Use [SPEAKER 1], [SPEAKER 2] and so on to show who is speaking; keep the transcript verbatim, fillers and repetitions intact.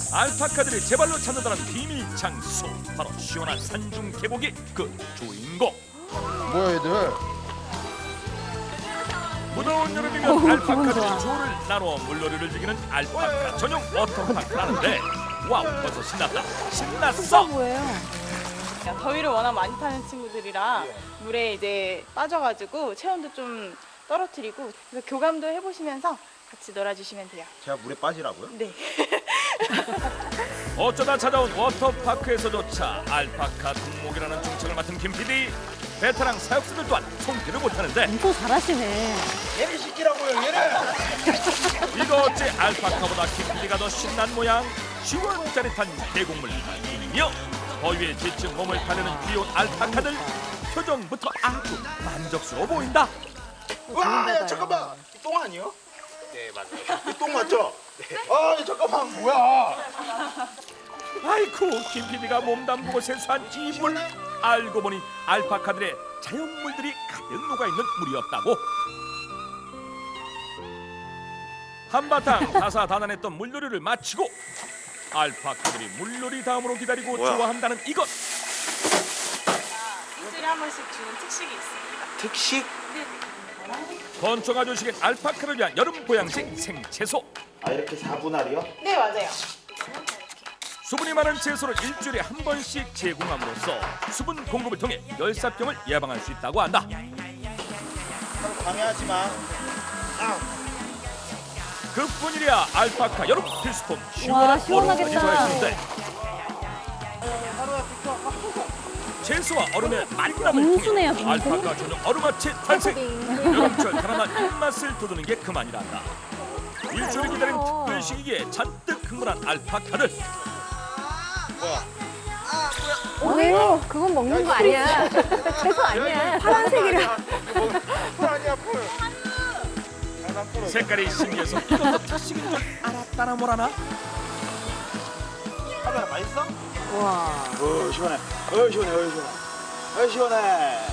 [SPEAKER 1] 알파카들이 제발로 찾는다는 비밀 장소, 바로 시원한 산중 계곡이 그 주인공.
[SPEAKER 2] 뭐야 얘들?
[SPEAKER 1] 무더운 여름이면
[SPEAKER 3] 어우,
[SPEAKER 1] 알파카들이
[SPEAKER 3] 기분 좋아.
[SPEAKER 1] 조를 나누어 물놀이를 즐기는 알파카 전용 워터파크라는데, 와우, 벌써 신났다. 신났어.
[SPEAKER 3] 뭐예요?
[SPEAKER 4] 더위를 워낙 많이 타는 친구들이라 물에 이제 빠져가지고 체온도 좀 떨어뜨리고, 그래서 교감도 해보시면서 같이 놀아주시면 돼요.
[SPEAKER 2] 제가 물에 빠지라고요?
[SPEAKER 4] 네.
[SPEAKER 1] 어쩌다 찾아온 워터파크에서조차 알파카 덕목이라는 중책을 맡은 김 피디. 베테랑 사육사들 또한 손길을 못하는데,
[SPEAKER 3] 엄청 잘하시네.
[SPEAKER 2] 얘를 시키라고요 얘를.
[SPEAKER 1] 이거 어째 알파카보다 김 피디가 더 신난 모양. 시원짜릿한 계곡물 이며 더위에 지친 몸을 달래는 귀여운 알파카들. 표정부터 아주 만족스러워 보인다.
[SPEAKER 2] 와, 야, 잠깐만. 똥 아니요? 네 맞아요. 똥 맞죠? 네. 아 잠깐만 뭐야?
[SPEAKER 1] 아이쿠, 김 피디가 몸 담그고 세수한 이 물. 알고 보니 알파카들의 자연물들이 가득 녹아있는 물이었다고. 한바탕 다사다난했던 물놀이를 마치고 알파카들이 물놀이 다음으로 기다리고
[SPEAKER 2] 뭐야?
[SPEAKER 1] 좋아한다는 이것.
[SPEAKER 4] 일주일에 한 번씩 주는 특식이 있습니다.
[SPEAKER 2] 특식?
[SPEAKER 1] 건초가 주식인 알파카를 위한 여름 보양식 생채소.
[SPEAKER 2] 아 이렇게 사분할이요?
[SPEAKER 4] 네, 맞아요.
[SPEAKER 1] 수분이 많은 채소를 일주일에 한 번씩 제공함으로써 수분 공급을 통해 열사병을 예방할 수 있다고 한다.
[SPEAKER 2] 방해하지 마. 아,
[SPEAKER 1] 그뿐이랴 알파카 여름 필수품
[SPEAKER 3] 와,
[SPEAKER 1] 시원한
[SPEAKER 3] 시원하겠다.
[SPEAKER 1] 얼음까지 더했는데, 채소와 얼음의 만남을
[SPEAKER 3] 빙수네요,
[SPEAKER 1] 통해
[SPEAKER 3] 빙수.
[SPEAKER 1] 알파카 전용 얼음아치 탄생. 여름철 달아난 입맛을 돋우는 게 그만이란다. 일주일 기다린 특별 시기에 잔뜩 흥분한 알파카들.
[SPEAKER 3] 왜요? 그건 먹는 거 아니야. 채소 아니야. 파란색이라.
[SPEAKER 2] 풀 아니야 풀.
[SPEAKER 1] 색깔이 신기해서 이것도 특식인 줄 알았다나 뭐라나.
[SPEAKER 2] 카메라 맛있어?
[SPEAKER 3] 와.
[SPEAKER 2] 어 시원해. 어 시원해. 어 시원해. 어 시원해.